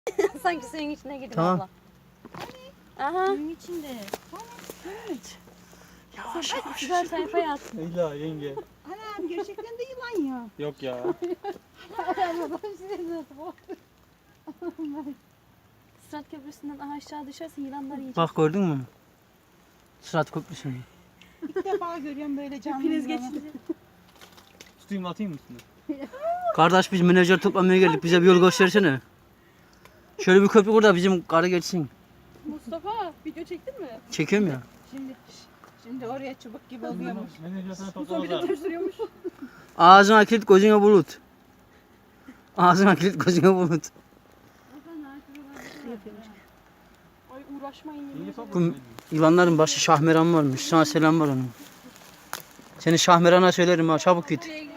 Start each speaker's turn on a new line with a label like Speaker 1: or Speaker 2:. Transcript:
Speaker 1: Sanki suyun içine girdim
Speaker 2: Tamam.
Speaker 1: abla. Aha.
Speaker 3: Suyun içinde.
Speaker 2: Yavaş yavaş.
Speaker 1: Güzel sayfaya at.
Speaker 4: Leyla yenge.
Speaker 3: Anam gerçekten de yılan ya.
Speaker 4: Yok ya.
Speaker 1: Sırat Köprüsü'nden aşağı düşersin yılanlar yiyecek.
Speaker 2: Bak gördün mü? Sırat Köprüsü'nü.
Speaker 3: İlk defa görüyorum böyle canlı
Speaker 1: Hepiniz
Speaker 3: yılanı.
Speaker 1: geçince.
Speaker 4: Tutayım atayım mı üstüne?
Speaker 2: Kardeş biz menajer toplamaya geldik. Bize bir yol göstersene. Şöyle bir köprü kur da bizim karı geçsin.
Speaker 1: Mustafa video çektin mi?
Speaker 2: Çekiyorum ya.
Speaker 3: Şimdi oraya çubuk gibi oluyormuş.
Speaker 4: Menajer sana
Speaker 1: Mustafa
Speaker 4: toplamaz
Speaker 1: bir de
Speaker 4: abi.
Speaker 1: sürüyormuş.
Speaker 2: Ağzına kilit gözüne bulut. Ağzına kilit gözüne bulut.
Speaker 1: Ay uğraşmayın.
Speaker 4: Yenge top
Speaker 2: Bu
Speaker 4: mu?
Speaker 2: yılanların başı Şahmeran varmış. Sana selam var onun. Seni Şahmeran'a söylerim ha, çabuk git.